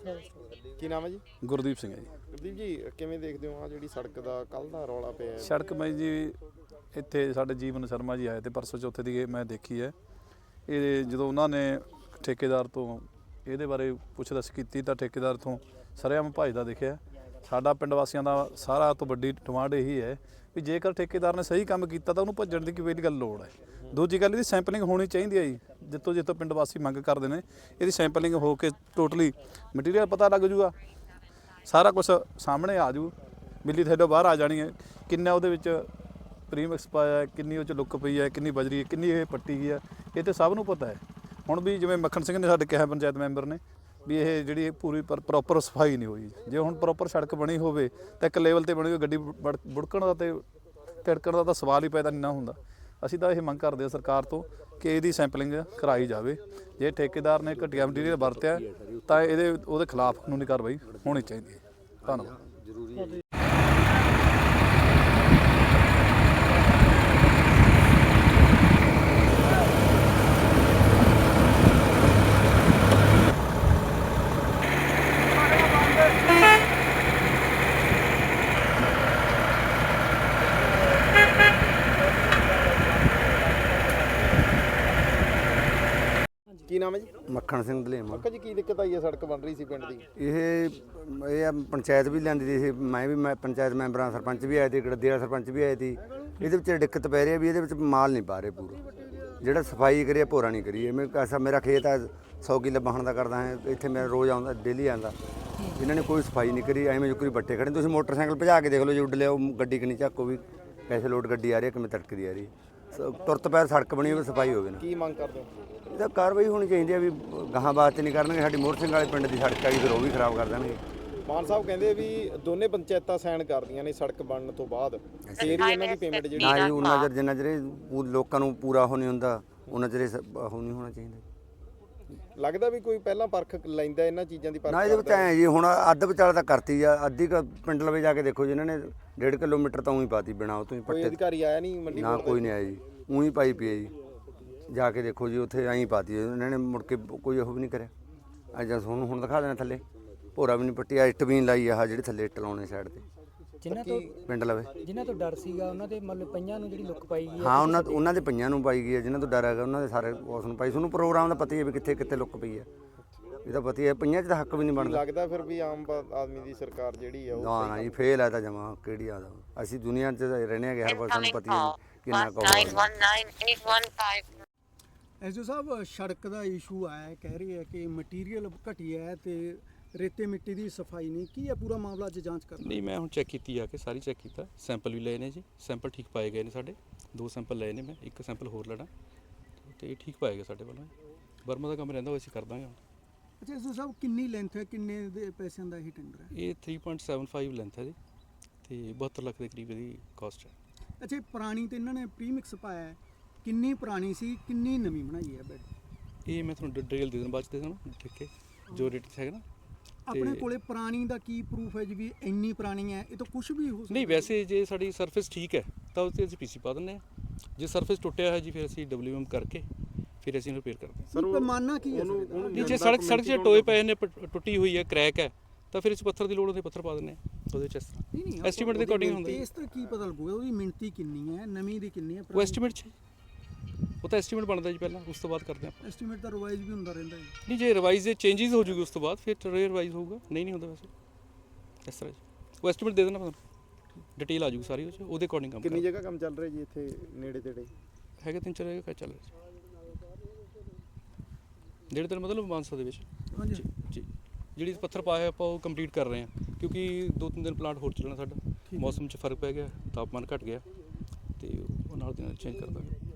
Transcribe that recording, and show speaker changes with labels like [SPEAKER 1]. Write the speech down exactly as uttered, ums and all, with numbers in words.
[SPEAKER 1] ਕੀ ਨਾਮ ਹੈ ਜੀ?
[SPEAKER 2] ਗੁਰਦੀਪ ਸਿੰਘ ਹੈ ਜੀ।
[SPEAKER 1] ਗੁਰਦੀਪ ਜੀ, ਕਿਵੇਂ ਦੇਖਦੇ ਹੋ ਆ ਜਿਹੜੀ ਸੜਕ ਦਾ ਕੱਲ ਦਾ ਰੌਲਾ ਪਿਆ?
[SPEAKER 2] ਸੜਕ ਮੈਂ ਜੀ ਇੱਥੇ ਸਾਡੇ ਜੀਵਨ ਸ਼ਰਮਾ ਜੀ ਆਏ ਤੇ ਪਰਸੋਂ ਚੌਥੇ ਦੀ ਮੈਂ ਦੇਖੀ ਹੈ। ਇਹ ਜਦੋਂ ਉਹਨਾਂ ਨੇ ਠੇਕੇਦਾਰ ਤੋਂ ਇਹਦੇ ਬਾਰੇ ਪੁੱਛ ਦੱਸ ਕੀਤੀ ਤਾਂ ਠੇਕੇਦਾਰ ਤੋਂ ਸਰੇਆਮ ਭੱਜਦਾ ਦਿਖਿਆ। ਸਾਡਾ ਪਿੰਡ ਵਾਸੀਆਂ ਦਾ ਸਾਰਾ ਤੋਂ ਵੱਡੀ ਡਿਮਾਂਡ ਇਹੀ ਹੈ ਵੀ ਜੇਕਰ ਠੇਕੇਦਾਰ ਨੇ ਸਹੀ ਕੰਮ ਕੀਤਾ ਤਾਂ ਉਹਨੂੰ ਭੱਜਣ ਦੀ ਕੋਈ ਗੱਲ ਲੋੜ ਹੈ। ਦੂਜੀ ਗੱਲ ਇਹਦੀ ਸੈਂਪਲਿੰਗ ਹੋਣੀ ਚਾਹੀਦੀ ਹੈ ਜੀ, ਜਿੱਥੋਂ ਜਿੱਥੋਂ ਪਿੰਡ ਵਾਸੀ ਮੰਗ ਕਰਦੇ ਨੇ ਇਹਦੀ ਸੈਂਪਲਿੰਗ ਹੋ ਕੇ ਟੋਟਲੀ ਮਟੀਰੀਅਲ ਪਤਾ ਲੱਗ ਜੂਗਾ, ਸਾਰਾ ਕੁਛ ਸਾਹਮਣੇ ਆ ਜੂ, ਬਿੱਲੀ ਥੱਲੋਂ ਬਾਹਰ ਆ ਜਾਣੀ ਹੈ। ਕਿੰਨਾ ਉਹਦੇ ਵਿੱਚ ਪ੍ਰੀਮਿਕਸ ਪਾਇਆ, ਕਿੰਨੀ ਉਹ 'ਚ ਲੁੱਕ ਪਈ ਹੈ, ਕਿੰਨੀ ਬਜਰੀ ਹੈ, ਕਿੰਨੀ ਇਹ ਪੱਟੀ ਗਈ ਹੈ, ਇਹ ਤਾਂ ਸਭ ਨੂੰ ਪਤਾ ਹੈ। ਹੁਣ ਵੀ ਜਿਵੇਂ ਮੱਖਣ ਸਿੰਘ ਨੇ ਸਾਡੇ ਕਿਹਾ ਪੰਚਾਇਤ ਮੈਂਬਰ ਨੇ ਵੀ ਇਹ ਜਿਹੜੀ ਪੂਰੀ ਪਰ ਪ੍ਰੋਪਰ ਸਫਾਈ ਨਹੀਂ ਹੋਈ। ਜੇ ਹੁਣ ਪ੍ਰੋਪਰ ਸੜਕ ਬਣੀ ਹੋਵੇ ਤਾਂ ਇੱਕ ਲੈਵਲ 'ਤੇ ਬਣੀ ਹੋਈ ਗੱਡੀ ਬੜ ਬੁੜਕਣ ਦਾ ਅਤੇ ਤਿੜਕਣ ਦਾ ਤਾਂ ਸਵਾਲ ਹੀ ਪੈਦਾ ਨਹੀਂ ਨਾ ਹੁੰਦਾ। ਅਸੀਂ ਤਾਂ ਇਹ ਮੰਗ ਕਰਦੇ ਹਾਂ ਸਰਕਾਰ ਤੋਂ ਕਿ ਇਹਦੀ ਸੈਂਪਲਿੰਗ ਕਰਾਈ ਜਾਵੇ। ਜੇ ਠੇਕੇਦਾਰ ਨੇ ਘਟੀਆ ਮਟੀਰੀਅਲ ਵਰਤਿਆ ਤਾਂ ਇਹਦੇ ਉਹਦੇ ਖਿਲਾਫ ਕਾਨੂੰਨੀ ਕਾਰਵਾਈ ਹੋਣੀ ਚਾਹੀਦੀ ਹੈ। ਧੰਨਵਾਦ।
[SPEAKER 1] ਕੀ ਨਾਮ ਹੈ ਜੀ?
[SPEAKER 3] ਮੱਖਣ ਸਿੰਘ ਧਲੇਮਾ।
[SPEAKER 1] ਅੰਕਲ ਜੀ, ਕੀ ਦਿੱਕਤ ਆਈ ਹੈ? ਸੜਕ ਬਣ ਰਹੀ ਸੀ ਪਿੰਡ ਦੀ।
[SPEAKER 3] ਇਹ ਇਹ ਆ ਪੰਚਾਇਤ ਵੀ ਲਿਆਂਦੀ ਸੀ, ਮੈਂ ਵੀ ਮੈਂ ਪੰਚਾਇਤ ਮੈਂਬਰਾਂ ਸਰਪੰਚ ਵੀ ਆਏ ਤੇ ਗੜਦੀ ਵਾਲਾ ਸਰਪੰਚ ਵੀ ਆਏ ਸੀ। ਇਹਦੇ ਵਿੱਚ ਦਿੱਕਤ ਪੈ ਰਹੀ ਹੈ ਵੀ ਇਹਦੇ ਵਿੱਚ ਮਾਲ ਨਹੀਂ ਪਾ ਰਹੇ ਪੂਰਾ, ਜਿਹੜਾ ਸਫਾਈ ਕਰੀਏ ਭੋਰਾ ਨਹੀਂ ਕਰੀਏ। ਮੈਂ ਐਸਾ ਮੇਰਾ ਖੇਤ ਹੈ ਸੌ ਕਿੱਲੇ ਬਾਹਣ ਦਾ ਕਰਦਾ ਹਾਂ, ਇੱਥੇ ਮੈਂ ਰੋਜ਼ ਆਉਂਦਾ ਡੇਲੀ ਆਉਂਦਾ, ਇਹਨਾਂ ਨੇ ਕੋਈ ਸਫਾਈ ਨਹੀਂ ਕਰੀ। ਐਵੇਂ ਜੁਕਰੀ ਬੱਟੇ ਖੜੇ। ਤੁਸੀਂ ਮੋਟਰਸਾਈਕਲ ਭਜਾ ਕੇ ਦੇਖ ਲਓ, ਜੇ ਉੱਡ ਲਿਆ ਉਹ ਗੱਡੀ ਕਿ ਨਹੀਂ ਝਾਕੋ ਵੀ ਪੈਸੇ ਲੋਡ ਗੱਡੀ ਆ ਰਹੀ ਹੈ ਕਿਵੇਂ ਤੜਕਦੀ ਆ ਰਹੀ। ਤੁਰਤ ਪੈਰ ਸੜਕ ਬਣੀ ਹੋਵੇ, ਸਫਾਈ ਹੋਵੇ ਨਾ।
[SPEAKER 1] ਕੀ ਮੰਗ ਕਰਦੇ ਹੋ?
[SPEAKER 3] ਇਹਦਾ ਕਾਰਵਾਈ ਹੋਣੀ ਚਾਹੀਦੀ ਹੈ ਵੀ ਗਾਹਾਂ ਬਾਤ ਨਹੀਂ ਕਰਨਗੇ। ਸਾਡੀ ਮੋਹਰ ਸਿੰਘ ਵਾਲੇ ਪਿੰਡ ਦੀ ਸੜਕ ਹੈਗੀ, ਫਿਰ ਉਹ ਵੀ ਖਰਾਬ ਕਰ ਦੇਣਗੇ।
[SPEAKER 1] ਮਾਨ ਸਾਹਿਬ ਕਹਿੰਦੇ ਵੀ ਦੋਨੇ ਪੰਚਾਇਤਾਂ ਸਾਈਨ ਕਰਦੀਆਂ ਨੇ ਸੜਕ ਬਣਨ ਤੋਂ ਬਾਅਦ, ਫੇਰ ਹੀ ਇਹਨਾਂ ਦੀ ਪੇਮੈਂਟ ਜਿਹੜੀ
[SPEAKER 3] ਨਾ ਜੀ ਉਹਨਾਂ ਚਿਰ ਜਿੰਨਾ ਚਿਰ ਲੋਕਾਂ ਨੂੰ ਪੂਰਾ ਹੋ ਨਹੀਂ ਹੁੰਦਾ ਉਹਨਾਂ ਚਿਰ ਉਹ ਨਹੀਂ ਹੋਣਾ ਚਾਹੀਦਾ।
[SPEAKER 1] ਲੱਗਦਾ ਵੀ ਕੋਈ ਪਹਿਲਾਂ ਪਰਖ ਲੈਂਦਾ ਇਹਨਾਂ ਚੀਜ਼ਾਂ ਦੀ ਪਰਖ?
[SPEAKER 3] ਨਾ ਇਹਦੇ ਵਿੱਚ ਐਂ ਜੀ ਹੁਣ ਅੱਧ ਵਿਚਾਲੇ ਤਾਂ ਕਰਤੀ ਆ, ਅੱਧੀ ਕ ਪਿੰਡ ਲਵੇ ਜਾ ਕੇ ਦੇਖੋ ਜੀ, ਇਹਨਾਂ ਨੇ ਡੇਢ ਕਿਲੋਮੀਟਰ ਤਾਂ ਉਹੀ ਪਾਤੀ ਬਿਨਾਂ ਉਹ ਤੋਂ ਹੀ
[SPEAKER 1] ਕੋਈ
[SPEAKER 3] ਪੱਟੇ।
[SPEAKER 1] ਅਧਿਕਾਰੀ ਆਇਆ ਨਹੀਂ ਮੰਡੀ?
[SPEAKER 3] ਨਾ ਕੋਈ ਨਹੀਂ ਆਇਆ ਜੀ, ਉਹੀ ਪਾਈ ਪਈ ਹੈ ਜੀ। ਜਾ ਕੇ ਦੇਖੋ ਜੀ ਉੱਥੇ ਐਂ ਪਾਤੀ ਇਹਨਾਂ ਨੇ, ਮੁੜ ਕੇ ਕੋਈ ਉਹ ਵੀ ਨਹੀਂ ਕਰਿਆ। ਅੱਜ ਤੁਹਾਨੂੰ ਹੁਣ ਦਿਖਾ ਦੇਣਾ ਥੱਲੇ ਭੋਰਾ ਵੀ ਨਹੀਂ ਪੱਟੀ, ਇੱਟ ਵੀ ਨਹੀਂ ਲਾਈ ਆਹ ਜਿਹੜੇ ਥੱਲੇ ਇੱਟ ਲਾਉਣੇ ਸਾਈਡ ਤੇ
[SPEAKER 4] ਜਿਨ੍ਹਾਂ ਤੋਂ
[SPEAKER 3] ਪਿੰਡ ਲਵੇ।
[SPEAKER 4] ਜਿਨ੍ਹਾਂ ਤੋਂ ਡਰ ਸੀਗਾ ਉਹਨਾਂ ਦੇ ਮਤਲਬ ਪਈਆਂ ਨੂੰ ਜਿਹੜੀ ਲੁੱਕ ਪਾਈ ਗਈ ਹੈ।
[SPEAKER 3] ਹਾਂ ਉਹਨਾਂ ਉਹਨਾਂ ਦੇ ਪਈਆਂ ਨੂੰ ਪਾਈ ਗਈ ਹੈ, ਜਿਨ੍ਹਾਂ ਤੋਂ ਡਰ ਹੈਗਾ ਉਹਨਾਂ ਦੇ ਸਾਰੇ ਉਸ ਨੂੰ ਪਾਈ। ਤੁਹਾਨੂੰ ਪ੍ਰੋਗਰਾਮ ਦਾ ਪਤਾ ਹੀ ਹੈ ਵੀ ਕਿੱਥੇ ਕਿੱਥੇ ਲੁੱਕ ਪਈ ਹੈ, ਇਹ ਤਾਂ ਪਤਾ ਹੀ ਹੈ। ਪਈਆਂ 'ਚ ਤਾਂ ਹੱਕ ਵੀ ਨਹੀਂ ਬਣਦਾ।
[SPEAKER 1] ਲੱਗਦਾ ਫਿਰ ਵੀ ਆਮ ਆਦਮੀ ਦੀ ਸਰਕਾਰ ਜਿਹੜੀ ਆ ਉਹ
[SPEAKER 3] ਨਾ ਨਾ ਜੀ ਫੇਲ ਹੈ ਤਾਂ ਜਮਾ ਕਿਹੜੀ ਆਦਾ। ਅਸੀਂ ਦੁਨੀਆ 'ਚ ਰਹਿੰਦੇ ਹੈਗੇ, ਹਰ ਵਾਰ ਸਾਨੂੰ ਪਤਾ ਹੀ ਹੈ ਕਿੰਨਾ ਕੁ।
[SPEAKER 5] ਐਸ ਓ ਸਾਹਿਬ, ਸੜਕ ਦਾ ਇਸ਼ੂ ਆਇਆ, ਕਹਿ ਰਹੀ ਹੈ ਕਿ ਮਟੀਰੀਅਲ ਘਟੀਆ ਹੈ ਤੇ ਰੇਤੇ ਮਿੱਟੀ ਦੀ ਸਫਾਈ ਨਹੀਂ। ਕੀ ਹੈ ਪੂਰਾ ਮਾਮਲਾ? ਅੱਜ ਜਾਂਚ ਕਰਨਾ।
[SPEAKER 6] ਨਹੀਂ, ਮੈਂ ਹੁਣ ਚੈੱਕ ਕੀਤੀ ਆ ਕੇ ਸਾਰੀ ਚੈੱਕ ਕੀਤਾ, ਸੈਂਪਲ ਵੀ ਲਏ ਨੇ ਜੀ, ਸੈਂਪਲ ਠੀਕ ਪਾਏ ਗਏ ਨੇ ਸਾਡੇ। ਦੋ ਸੈਂਪਲ ਲਏ ਨੇ, ਮੈਂ ਇੱਕ ਸੈਂਪਲ ਹੋਰ ਲੈਣਾ ਤੇ ਇਹ ਠੀਕ ਪਾਏ ਗਏ ਸਾਡੇ ਵੱਲੋਂ। ਬਰਮਾ ਦਾ ਕੰਮ ਰਹਿੰਦਾ ਉਹ ਅਸੀਂ ਕਰ ਦਾਂਗੇ ਹੁਣ।
[SPEAKER 5] ਅੱਛਾ ਐਸ ਓ ਸਾਹਿਬ, ਕਿੰਨੀ ਲੈਂਥ ਹੈ, ਕਿੰਨੇ ਦੇ ਪੈਸਿਆਂ ਦਾ ਇਹ ਟੈਂਡਰ ਹੈ?
[SPEAKER 6] ਇਹ ਤਿੰਨ ਪੁਆਇੰਟ ਸੱਤ ਪੰਜ ਲੈਂਥ ਹੈ ਜੀ ਤੇ ਬਹੱਤਰ ਲੱਖ ਦੇ ਕਰੀਬ ਇਹਦੀ ਕਾਸਟ ਹੈ।
[SPEAKER 5] ਅੱਛਾ, ਪੁਰਾਣੀ ਤੇ ਇਹਨਾਂ ਨੇ ਪ੍ਰੀਮਿਕਸ ਪਾਇਆ ਹੈ, ਕਿੰਨੀ ਪੁਰਾਣੀ ਸੀ, ਕਿੰਨੀ ਨਵੀਂ ਬਣਾਈ ਹੈ ਬੈਡ?
[SPEAKER 6] ਇਹ ਮੈਂ ਤੁਹਾਨੂੰ ਡਿਟੇਲ ਦੇ ਦੇਣਾ ਬਾਅਦ 'ਚ ਦੇ ਦੇਣਾ, ਠੀਕ ਹੈ, ਜੋ ਰੇਟ ਹੈਗਾ ਨਾ।
[SPEAKER 5] ਆਪਣੇ ਕੋਲੇ ਪੁਰਾਣੀ ਦਾ ਕੀ ਪ੍ਰੂਫ ਹੈ ਜੀ ਵੀ ਇੰਨੀ ਪੁਰਾਣੀ ਹੈ? ਇਹ ਤਾਂ ਕੁਝ ਵੀ ਹੋ ਸਕਦਾ।
[SPEAKER 6] ਨਹੀਂ, ਵੈਸੇ ਜੇ ਸਾਡੀ ਸਰਫੇਸ ਠੀਕ ਹੈ ਤਾਂ ਉਸ 'ਤੇ ਅਸੀਂ ਪੀਸੀ ਪਾ ਦਿੰਦੇ ਹਾਂ। ਜੇ ਸਰਫੇਸ ਟੁੱਟਿਆ ਹੈ ਜੀ ਫਿਰ ਅਸੀਂ ਡਬਲਯੂ ਐਮ ਕਰਕੇ ਫਿਰ ਅਸੀਂ ਰਿਪੇਅਰ ਕਰਦੇ ਹਾਂ।
[SPEAKER 5] ਸਰ ਪੈਮਾਨਾ ਕੀ ਹੈ?
[SPEAKER 6] ਨਹੀਂ, ਜੇ ਸੜਕ ਸੜਕ 'ਚ ਟੋਏ ਪਏ ਨੇ, ਟੁੱਟੀ ਹੋਈ ਹੈ, ਕਰੈਕ ਹੈ, ਤਾਂ ਫਿਰ ਇਸ ਪੱਥਰ ਦੀ ਲੋੜ ਹੁੰਦੀ, ਪੱਥਰ ਪਾ ਦਿੰਦੇ ਹਾਂ ਉਹਦੇ 'ਚ।
[SPEAKER 5] ਨਹੀਂ ਨਹੀਂ,
[SPEAKER 6] ਐਸਟੀਮੇਟ ਦੇ ਅਕੋਰਡਿੰਗ ਹੁੰਦਾ।
[SPEAKER 5] ਇਸ ਤਰ੍ਹਾਂ ਕੀ ਪਤਾ ਲੱਗੂਗਾ ਉਹਦੀ ਮਿਣਤੀ ਕਿੰਨੀ ਹੈ, ਨਵੀਂ ਦੀ ਕਿੰਨੀ ਹੈ?
[SPEAKER 6] ਉਹ ਐਸਟੀਮੇਟ 'ਚ ਉਹ ਤਾਂ ਐਸਟੀਮੇਟ ਬਣਦਾ ਜੀ ਪਹਿਲਾਂ, ਉਸ ਤੋਂ ਬਾਅਦ ਕਰਦੇ ਆਪਾਂ।
[SPEAKER 5] ਐਸਟੀਮੇਟ ਦਾ ਰਿਵਾਈਜ਼ ਵੀ ਹੁੰਦਾ ਰਹਿੰਦਾ ਹੈ?
[SPEAKER 6] ਨਹੀਂ, ਜੇ ਰਿਵਾਈਜ਼ ਦੇ ਚੇਂਜਸ ਹੋ ਜੂਗੀ ਉਸ ਤੋਂ ਬਾਅਦ ਫਿਰ ਰਿਵਾਈਜ਼ ਹੋਊਗਾ। ਨਹੀਂ ਨਹੀਂ ਹੁੰਦਾ ਵੈਸੇ ਇਸ ਤਰ੍ਹਾਂ ਜੀ। ਉਹ ਐਸਟੀਮੇਟ ਦੇ ਦੇਣਾ ਤੁਹਾਨੂੰ, ਡਿਟੇਲ ਆ ਜੂਗੀ ਸਾਰੀ ਉਹ 'ਚ, ਉਹਦੇ ਅਕੋਰਡਿੰਗ ਕੰਮ।
[SPEAKER 1] ਕਿੰਨੀ ਜਗ੍ਹਾ ਕੰਮ ਚੱਲ ਰਿਹਾ ਜੀ ਇੱਥੇ ਨੇੜੇ ਤੇੜੇ?
[SPEAKER 6] ਹੈਗੇ ਤਿੰਨ ਚਾਰ ਜਗ੍ਹਾ ਚੱਲ ਰਿਹਾ ਜਿਹੜੇ ਤੇਰੇ ਮਤਲਬ ਮਾਨਸਾ ਦੇ ਵਿੱਚ।
[SPEAKER 5] ਹਾਂਜੀ
[SPEAKER 6] ਜੀ, ਜਿਹੜੀ ਪੱਥਰ ਪਾਇਆ ਆਪਾਂ ਉਹ ਕੰਪਲੀਟ ਕਰ ਰਹੇ ਹਾਂ, ਕਿਉਂਕਿ ਦੋ ਤਿੰਨ ਦਿਨ ਪਲਾਂਟ ਹੋਰ ਚੱਲਣਾ ਸਾਡਾ। ਮੌਸਮ 'ਚ ਫਰਕ ਪੈ ਗਿਆ, ਤਾਪਮਾਨ ਘਟ ਗਿਆ ਤੇ ਉਹ ਨਾਲ ਦੀ ਨਾਲ ਚੇਂਜ ਕਰ ਦਾਂਗੇ।